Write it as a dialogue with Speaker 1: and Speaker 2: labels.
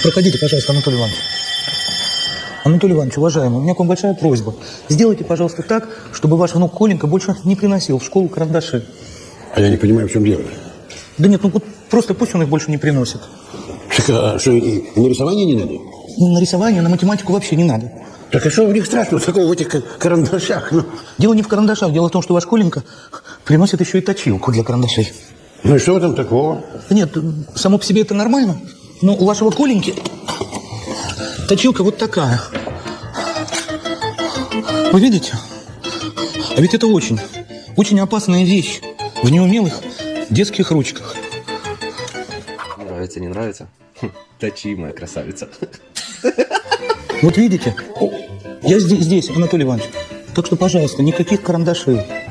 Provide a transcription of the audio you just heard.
Speaker 1: Проходите, пожалуйста, Анатолий Иванович. Анатолий Иванович, уважаемый, у меня к вам большая просьба. Сделайте, пожалуйста, так, чтобы ваш внук Коленька больше не приносил в школу карандаши.
Speaker 2: А я не понимаю, в чем дело.
Speaker 1: Да нет, ну вот просто пусть он их больше не приносит.
Speaker 2: Так, а что, и на рисование не надо?
Speaker 1: На рисование, на математику вообще не надо.
Speaker 2: Так а что у них страшного такого в этих карандашах? Ну,
Speaker 1: Дело не в карандашах, дело в том, что ваш Коленька приносит еще и точилку для карандашей.
Speaker 2: ну и что в этом такого?
Speaker 1: Да нет, само по себе это нормально, но у вашего Коленьки точилка вот такая. Вы видите? А ведь это очень опасная вещь в неумелых детских ручках.
Speaker 3: Нравится, не нравится? Точи, моя красавица.
Speaker 1: Вот видите? Я здесь, Анатолий Иванович. Так что, пожалуйста, никаких карандашей.